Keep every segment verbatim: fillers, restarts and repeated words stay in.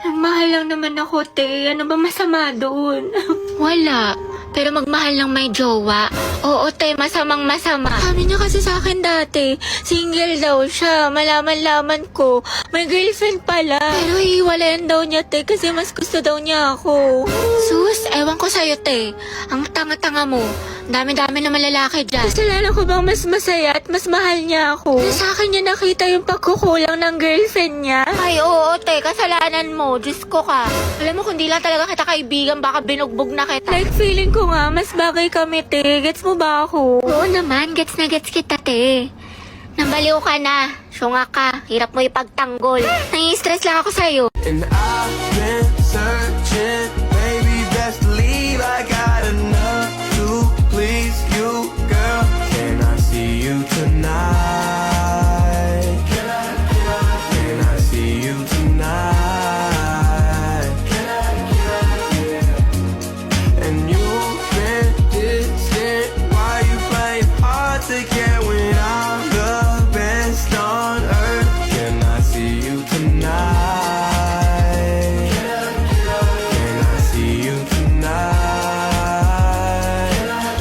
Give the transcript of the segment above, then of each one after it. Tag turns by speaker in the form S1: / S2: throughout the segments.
S1: Nagmahal lang naman ako, te. Ano ba masama doon?
S2: Wala. Pero magmahal ng may jowa. Oo, te, masamang masama.
S1: Sabi niya kasi sa akin dati, single daw siya. Malaman-laman ko, may girlfriend pala. Pero hiwalayan daw niya, te, kasi mas gusto daw niya ako.
S2: Sus, ewan ko sa'yo, te. Ang tanga-tanga mo. Dami-dami naman lalaki dyan.
S1: Kasalanan ko bang mas masaya at mas mahal niya ako? Na sa akin niya nakita yung pagkukulang ng girlfriend niya?
S2: Ay, oo, te. Kasalanan mo. Diyos ko ka. Alam mo, kung di lang talaga kita kaibigan, baka binugbog na kita.
S1: Like, feeling ko nga, mas bagay kami, te. Gets mo ba ako?
S2: Oo naman, gets na gets kita, te. Nambaliw ka na. Syunga ka. Hirap mo ipagtanggol. Nai-stress lang ako sa'yo.
S3: And I've been searching, baby, best believe I got enough to please you, girl. Can I see you tonight? Can I, can I, can I see you tonight? Can I, can I, yeah. And you've been distant, why you playing hard to get when I'm the best on earth? Can I see you tonight? Can I see you tonight?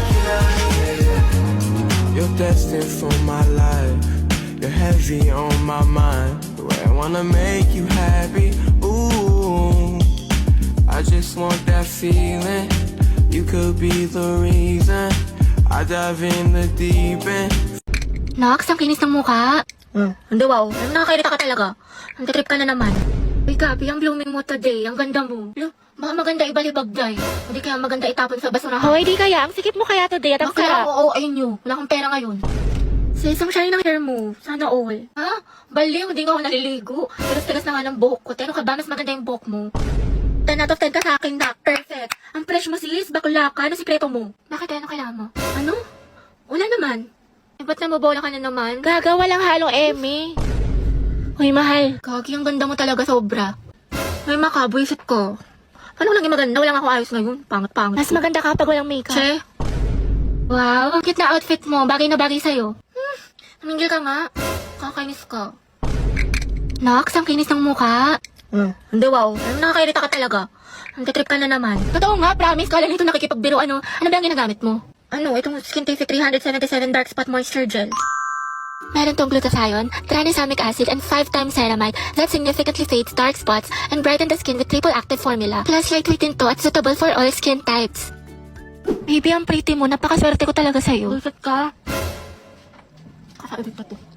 S3: You're destined for my life. You're heavy on my mind. The way I wanna make you happy. Ooh, I just want that feeling. You could be the reason I dive in the deep end.
S2: Nox, ang kinis ng mukha.
S1: Hmm, hindi wow.
S2: Ano, nakakairita ka talaga. Ang trip ka na naman.
S1: Uy, Gabi, ang blooming mo today. Ang ganda mo.
S2: Lo, baka maganda ibalibag day. Hindi kaya maganda itapon sa basurahan.
S1: Hoy, di kaya. Ang sikip mo kaya today at ang
S2: Bakit
S1: sarap.
S2: ako oo ayun nyo? Wala kang pera ngayon.
S1: Sa isang shine ng hair mo. Sana all.
S2: Ha? Baliw, hindi nga ako naliligo. Tigas-tigas na nga ng buhok ko. Pero ka ba, mas maganda yung buhok mo?
S1: ten out of ten ka sa akin, Doc. Perfect. Ang fresh mo sis, bakla ka. Ano sikreto mo?
S2: Bakit ano kailangan mo?
S1: Ano? Wala naman.
S2: Eh, ba't namobola ka na naman?
S1: Gaga, walang halong Emmy. Uy, mahal.
S2: Gagi, ang ganda mo talaga sobra.
S1: May makabuisit ko. Paano ko lang yung maganda? Wala nga ako ayos ngayon. Pangat-pangat. Mas maganda kapag walang makeup.
S2: Che? Wow, ang cute na outfit mo. Bagay na bagay sa'yo.
S1: Hmm, namingil ka nga.
S2: Kakainis ka. Nox, ang kinis ng mukha.
S1: Hmm, hindi wow.
S2: Ano, nakakairita ka talaga.
S1: Ang trip ka na naman.
S2: Totoo nga, promise. Kala nito nakikipagbiro. Ano, ano ba ang ginagamit mo?
S1: Ano, itong Skintific three seventy-seven Dark Spot Moisture Gel.
S2: Meron tong glutathione, tranexamic acid, and five times ceramide that significantly fades dark spots and brighten the skin with triple active formula. Plus, lightweight to at suitable for all skin types.
S1: Baby, ang pretty mo. Napakaswerte ko talaga sa'yo.
S2: Bullshit ka.
S1: Kakaibig pa to.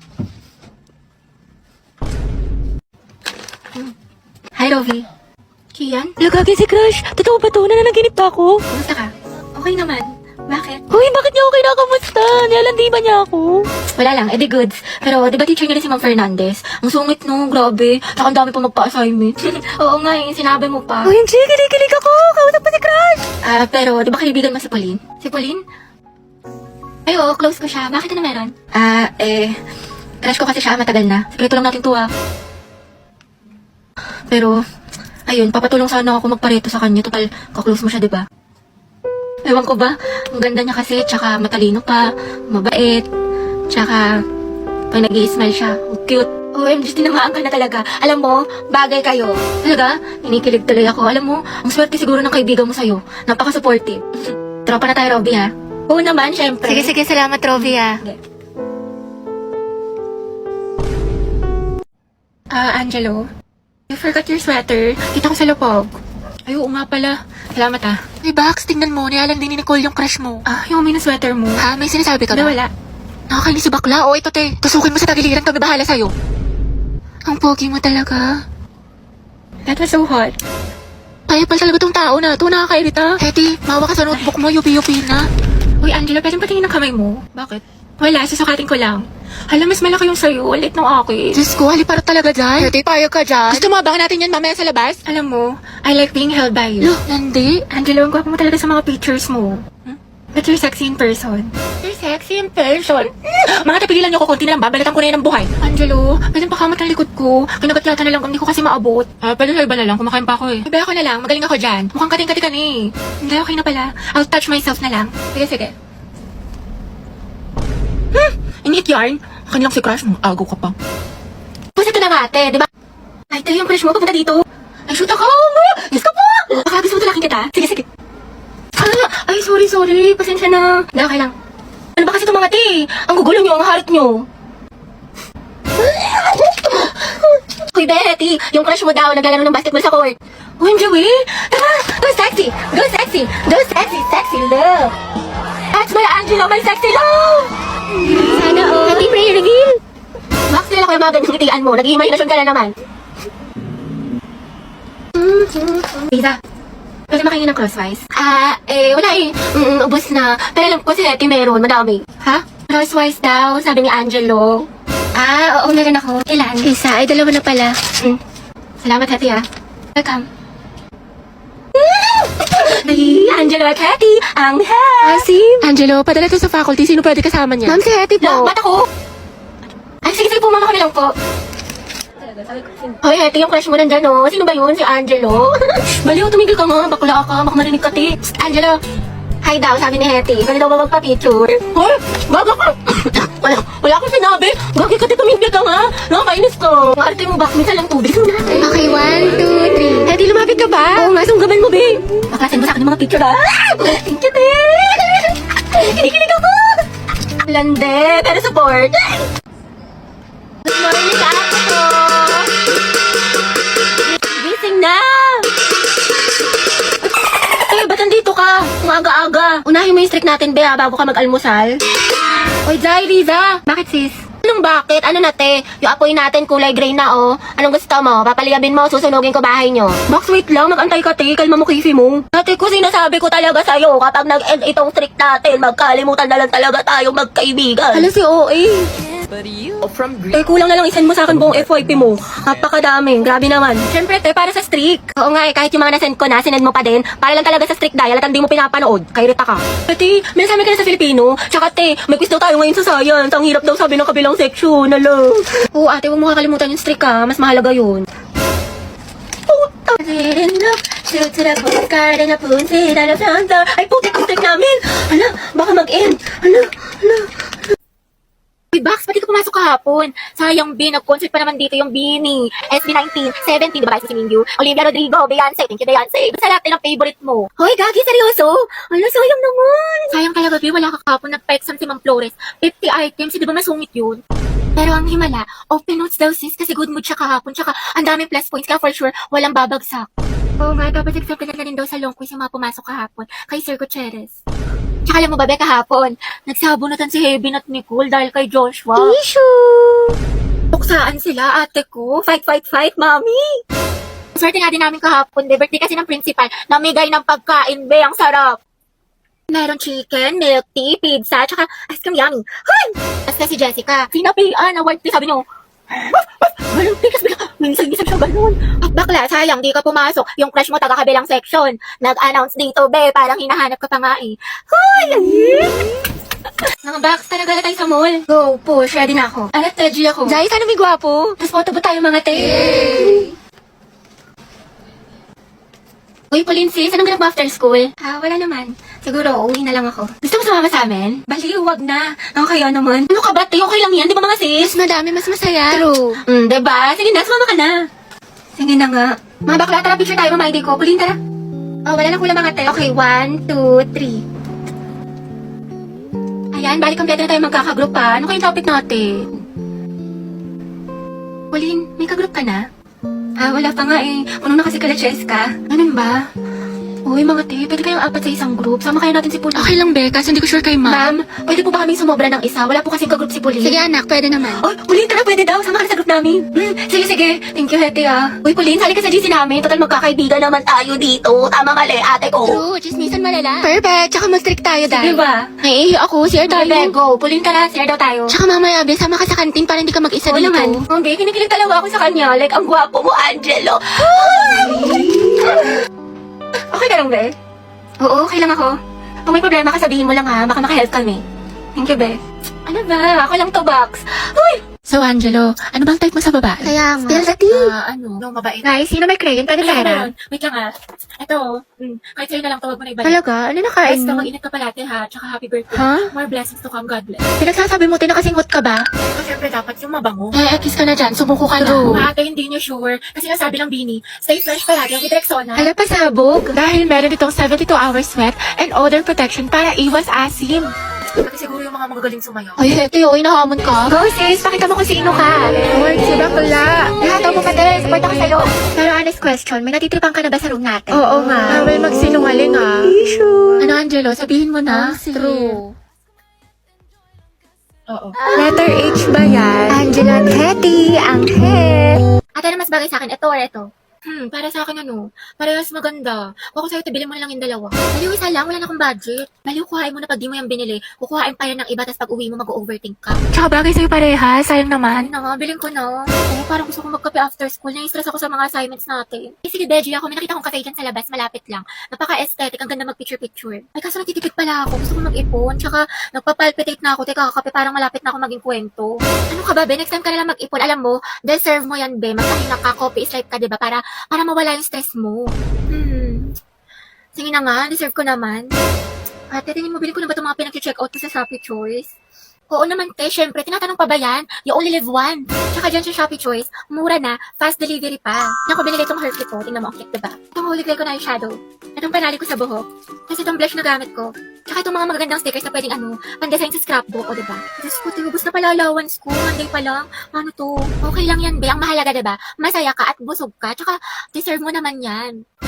S2: Hi, Rovi.
S1: Kian? Lagagi si Crush. Totoo ba to? Nananaginip pa ako?
S2: Kumusta ka? Okay naman. Bakit?
S1: Hoy, bakit niya ako kinakamusta? Nilalandi ba niya ako?
S2: Wala lang, edi goods. Pero, di ba teacher niya rin si Ma'am Fernandez? Ang sungit no, grabe. Tsaka ang dami pa magpa-assignment. Oo nga, yung sinabi mo pa.
S1: Hoy, hindi. Kinikilig ako. Kausap pa si Crush.
S2: Ah, pero, di ba kaibigan mo si Pauline? Si Pauline? Ay, oo, close ko siya. Bakit ano meron? Ah, eh, crush ko kasi siya matagal na. Sikreto lang natin to ah. Pero, ayun, papatulong sana ako magpareto sa kanya. Total, kaklose mo siya, di ba? Ewan ko ba, ang ganda niya kasi, tsaka matalino pa, mabait, tsaka pag nag-i-smile siya, ang cute. O M G, tinamaan ka na talaga. Alam mo, bagay kayo. Talaga, inikilig tuloy ako. Alam mo, ang swerte siguro ng kaibigan mo sa'yo. Napaka-supportive. Tropa na tayo, Robby, ha? Oo naman, syempre.
S1: Sige, sige. Salamat, Rovi, ah. Ah, Angelo. You forgot your sweater. Kita ko sa lupog. Ay, oo nga pala. Salamat, ah. Hey, Bax, tingnan mo. Nialang din ni Nicole yung crush mo. Ah, yung may sweater mo.
S2: Ha, may sinasabi ka
S1: Hindi,
S2: ba?
S1: wala.
S2: Nakakainis si bakla. O, ito, te. Tusukin mo sa tagiliran. Kami bahala sa'yo.
S1: Ang pogi mo talaga. That was so hot.
S2: Kaya pala talaga tong tao na ito. Nakakairita. Hetty, mawa ka sa notebook mo. Yupi-yupi na.
S1: Uy, Angelo, pwedeng patingin ng kamay mo?
S2: Bakit?
S1: Wala, susukatin ko lang. Hala, mas malaki yung sa'yo. Ulit ng akin.
S2: Diyos ko, haliparot talaga dyan. Hetty, payag ka dyan. Gusto mo abangan natin yan mamaya sa labas?
S1: Alam mo, I like being held by you.
S2: Lo, nandi.
S1: Angelo, ang gwapo mo talaga sa mga pictures mo. Hmm? But you're sexy in person.
S2: You're sexy in person. Mga tapigilan niyo ko, konti na lang. Babalatan ko na yan ng buhay.
S1: Angelo, pwedeng pakamat ng likod ko. Kinagatlatan na lang, hindi ko kasi maabot.
S2: Ah, pwede sa iba na lang. Kumakain pa ako eh.
S1: Iba ako na lang, magaling ako dyan. Mukhang kating-kati ka na eh. Hindi, okay na pala. I'll touch myself na lang.
S2: Sige, sige.
S1: Hmm, init yarn. Akin lang si Crush, mong agaw ka pa.
S2: Pusa ito na nga, ate, di ba?
S1: Ay, tayo yung crush mo, papunta dito.
S2: Ay, shoot ako! Yes ka po! Baka gusto mo talaking kita? Sige, sige. Ah, ay, sorry, sorry. Pasensya na. Hindi, okay lang. Ano ba kasi itong mga te? Ang gugulo nyo, ang harit nyo. Hoy, Betty, yung crush mo daw naglalaro ng basketball sa court. Uy, Joey, tara, go sexy, go sexy, go sexy, sexy love. That's my Angelo, my sexy love. Sana all. Happy prayer reveal. Max, nila ko yung mga ganyang ngitian mo. Nag-iimaginasyon ka na naman. Lisa, pwede makingin ng crosswise? Ah, eh, wala eh. Mm, ubos na. Pero alam ko si Hetty meron, madami. Ha? Crosswise daw, sabi ni Angelo. Ah, oo, meron ako. Ilan? Isa, ay dalawa na pala. Mm. Salamat, Hetty, ah. Welcome. Ay, Angelo at Hetty, ang head.
S1: Asim? Angelo, padala to sa faculty. Sino pwede kasama niya?
S2: Ma'am, si Hetty po. Ba't ako? Ay, sige, sige po, mama kami lang po. Hoy, Hetty, yung crush mo nandyan, oh. Sino ba yun? Si Angelo? Baliw, tumigil ka nga. Bakla ka. Baka marinig ka, ti. Psst, Angelo. Hi daw, sabi ni Hetty. Pwede daw ba magpa-picture? Hoy, baga ka. wala, wala akong sinabi. Bakit ka, ti, tumigil ka nga? Nakakainis ka. Ang arte mo ba? Minsan lang tubig.
S1: Okay, one, two, three.
S2: Hetty, lumapit ka ba? Oo nga, sunggaban mo, be. Baklasin mo sa akin yung mga picture, ha? Thank you, te. Kinikilig ako. Lande, pero support. Good morning, ako to. Gising na. Eh, ba't nandito ka? Ang aga-aga. Unahin mo yung streak natin, be, ha, bago ka mag-almusal. Oy, Jai, Riza. Bakit, sis? Anong bakit? Ano na, te? Yung apoy natin kulay gray na, oh. Anong gusto mo? Papaliyabin mo, susunugin ko bahay nyo. Box, wait lang. Mag-antay ka, te. Kalma mo, kisi mo. Ate ko, sinasabi ko talaga sa'yo, kapag nag-end itong streak natin, magkalimutan na lang talaga tayong magkaibigan. Alam si O A. Eh, kulang na lang isend mo sa akin buong F Y P mo. Napakadami. Grabe naman. Siyempre, te, para sa streak. Oo nga, eh, kahit yung mga nasend ko na, sinend mo pa din. Para lang talaga sa streak dial at hindi mo pinapanood. Kay Rita ka. Ate, may nasabi ka na sa Filipino. Tsaka, te, may quiz daw tayo ngayon sa science. Ang hirap daw sabi ng kabilang section. Alo. Oo, ate, huwag mo kakalimutan yung streak, ha. Mas mahalaga yun. Puta. Shoot to the postcard and a punsit and a flouncer. Ay, putik ang streak namin. Hala, baka mag-end. Hala, hala. Uy, Bax, pati ka pumasok kahapon. Sayang, B, nag-concert pa naman dito yung Beanie. S B nineteen, seventeen, diba guys, si Mingyu? Olivia Rodrigo, Beyonce, thank you, Beyonce. Basta lahat ng favorite mo. Hoy, Gagi, seryoso? Ano, sayang naman. Sayang talaga, B, wala ka kahapon. Nagpa-exam si Ma'am Flores. fifty items, di ba masungit yun? Pero ang himala, open notes daw sis, kasi good mood siya kahapon. Tsaka, ang daming plus points, kaya for sure, walang babagsak. Oo nga, dapat accepted na rin daw sa long quiz yung mga pumasok kahapon. Kay Sir Gutierrez. Tsaka alam mo ba, Be, kahapon, nagsabunutan si Heaven at Nicole dahil kay Joshua. Issue! Tuksaan sila, ate ko. Fight, fight, fight, mami! Swerte nga din namin kahapon, Be. Birthday kasi ng principal. Namigay ng pagkain, Be. Ang sarap. Meron chicken, milk tea, pizza, tsaka ice cream yummy. Hoy! Tapos si Jessica. Sinapian, award tea, sabi nyo. Walang tikas, bigla. Minsan-minsan siya ganun. At bakla, sayang, di ka pumasok. Yung crush mo taga-kabilang section. Nag-announce dito, be. Parang hinahanap ka pa nga eh. Hoy! Mga box, talaga na tayo sa mall. Go, push. Ready na ako. Alat, ready ako. Jai, sana may gwapo. Tapos photo ba tayo mga te? Uy, Pauline sis, anong ganap mo after school? Ah, wala naman. Siguro, uwi na lang ako. Gusto mo sumama sa amin? Baliw, wag na. Ang kaya naman. Ano ka ba, te? Okay lang yan, di ba mga sis?
S1: Mas madami, mas masaya.
S2: True. Hmm, diba? Sige na, sumama ka na. Sige na nga. Mga bakla, tara, picture tayo, mama I D ko. Pauline, tara. Oh, wala na kulang mga te. Okay, one, two, three. Ayan, balik kompleto na tayo magkakagroup pa. Ano kayong topic natin? Pauline, may kagroup ka na? Ah, wala pa nga eh. Puno na kasi kala Cheska. Ganun ba? Uy, mga te, pwede kayong apat sa isang group. Sama kayo natin si Pauline.
S1: Okay lang, Be, kasi hindi ko sure kay
S2: Ma'am,
S1: ma'am.
S2: pwede po ba kaming sumobra ng isa? Wala po kasing kagroup si Pauline.
S1: Sige, anak, pwede naman.
S2: Oh, Pauline, tara, pwede daw. Sama ka na sa group namin. Hmm, sige, sige. Thank you, Hete, ah. Uy, Pauline, sali ka sa G C namin. Total, magkakaibigan naman tayo dito. Tama mali, ate ko.
S1: True, chismisan malala. Perfect, tsaka mag-strict tayo,
S2: Sige
S1: dahil.
S2: ba?
S1: Naiihi ako, share tayo.
S2: Bebe, go. Pauline, tara, share daw tayo.
S1: Tsaka mamaya, Be, sama ka sa kantin para hindi ka mag-isa
S2: Oo
S1: dito.
S2: naman. Okay, kinikilig talaga ako sa kanya. Like, ang gwapo mo, Angelo. Okay ka lang, Be? Oo, okay lang ako. Kung may problema ka, sabihin mo lang ha. Baka makahelp kami. Thank you, Be. Ano ba? Ako lang to, Box. Uy!
S1: So, Angelo, ano bang type mo sa babae?
S2: Kaya nga.
S1: Spill the tea. Ah, ano? No, mabait.
S2: Guys, sino may crayon? Pwede
S1: Alam mo
S2: pera?
S1: yun. Wait lang ah. Ito, mm, kahit sa'yo na lang tawag mo na ibalik.
S2: Talaga? Ano nakain
S1: Basta
S2: mo?
S1: mag-ingat ka palate ha, tsaka happy birthday.
S2: Ha?
S1: More blessings to come, God bless.
S2: Pinagsasabi mo, tinakasingot ka ba?
S1: So, syempre dapat yung mabango.
S2: Eh, kiss ka na dyan. Sumuko ka na.
S1: True. Ate, hindi niyo sure. Kasi nasabi ng Bini, stay fresh palagi with Rexona.
S2: Hala, pasabog.
S1: Dahil meron itong seventy-two hour sweat and odor protection para iwas asim. Pati siguro yung mga magagaling sumayaw.
S2: Ay, heto yun. Inahamon ka. Go, sis. Pakita mo kung sino ka.
S1: Lord, si bakla.
S2: Lahat mo pati. Support ako sa'yo. Pero honest question, may natitripan ka na ba sa room natin?
S1: Oo nga. Bawal magsinungaling ah. Ano, Angelo? Sabihin mo na.
S2: Oh, sige.
S1: True. Oo.
S2: Letter H ba yan? Angela Teddy, ang head. Ate, na mas bagay sa akin, ito or ito?
S1: Hmm, para sa akin ano, parehas maganda. Kung ako sa'yo, tibilin mo na lang yung dalawa.
S2: Baliw isa lang, wala na akong budget.
S1: Baliw, kuhain mo na pag di mo yung binili. Kukuhain pa yan ng iba, tapos pag uwi mo, mag-overthink ka.
S2: Tsaka bagay sa'yo parehas, sayang naman.
S1: Ano nga, bilhin ko na. Oo, parang gusto ko magkape after school. Nai-stress ako sa mga assignments natin. Eh, sige, Beji, ako. May nakita kong cafe dyan sa labas. Malapit lang. Napaka-aesthetic. Ang ganda mag-picture-picture. Ay, kaso nagtitipid pala ako. Gusto ko mag-ipon. Tsaka, nagpapalpitate na ako. Teka, kakape, parang malapit na ako maging kwento. Ano ka ba, Be? Next time ka na lang mag-ipon. Alam mo, deserve mo yan, Be. Magpahinga ka, coffee is life ka, diba? Para, para mawala yung stress mo. Hmm. Sige na nga, deserve ko naman. Ate, tingin mo, bilhin ko na ba itong mga pinag-check out ko sa Shopee Choice? Oo naman, te. Syempre, tinatanong pa ba yan? You only live one. Tsaka dyan sa Shopee Choice, mura na, fast delivery pa. Yan ko binili itong Hershey ko. Tingnan mo, ang cute, diba? Itong holy grail ko na yung shadow. Itong panali ko sa buhok. Kasi itong blush na gamit ko. Tsaka itong mga magagandang stickers na pwedeng ano, pandesign sa scrapbook, o diba? Diyos ko, tubos na pala allowance ko. Monday pa lang. Ano to? Okay lang yan, be. Ang mahalaga, diba? Masaya ka at busog ka. Tsaka, deserve mo naman yan.